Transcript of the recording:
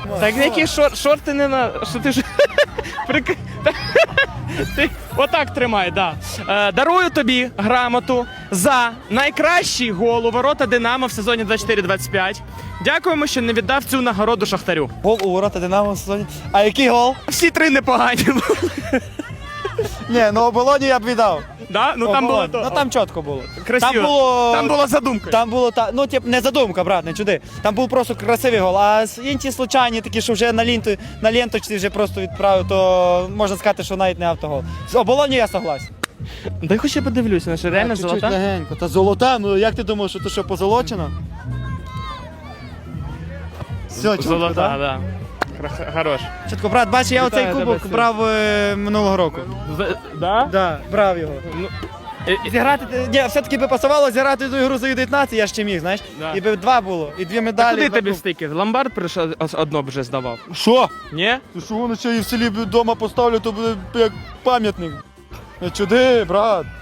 Так які шорти не на... Що ти ж... Ти отак тримай, да. Дарую тобі грамоту за найкращий гол у ворота Динамо в сезоні 24-25. Дякуємо, що не віддав цю нагороду Шахтарю. Гол у ворота Динамо в сезоні. А який гол? Всі три непогані були. Ні, ну оболоні я б віддав. Да? Ну там було Ну то. там чітко було. Красиво. Там була задумка. Там було ну тип не задумка, брат, не чуди. Там був просто красивий гол. А інші случайні такі, що вже на ленточці вже просто відправив, то можна сказати, що навіть не автогол. З оболоні я согласен. Дай хоч я подивлюся, що реально Чуть-чуть золота. легенько. Та золота, ну як ти думаєш, що то що позолочено? Все, чітко, Золота, так? да. Хорош. Чітко, брат, бачиш, я оцей Вітаю кубок тебе, брав минулого року. Да? Да, брав його. Ну, Зіграти, ні, все-таки би пасувало зіграти ту ігру за Ю-19, я ще міг, знаєш? Да. І би два було, і дві а медалі. куди два тобі кубки. стики? Ломбард прийшов, одно вже здавав. Що? Ні? Ти що, воно ще і в селі вдома поставлю, то буде як пам'ятник. Не чуди, брат.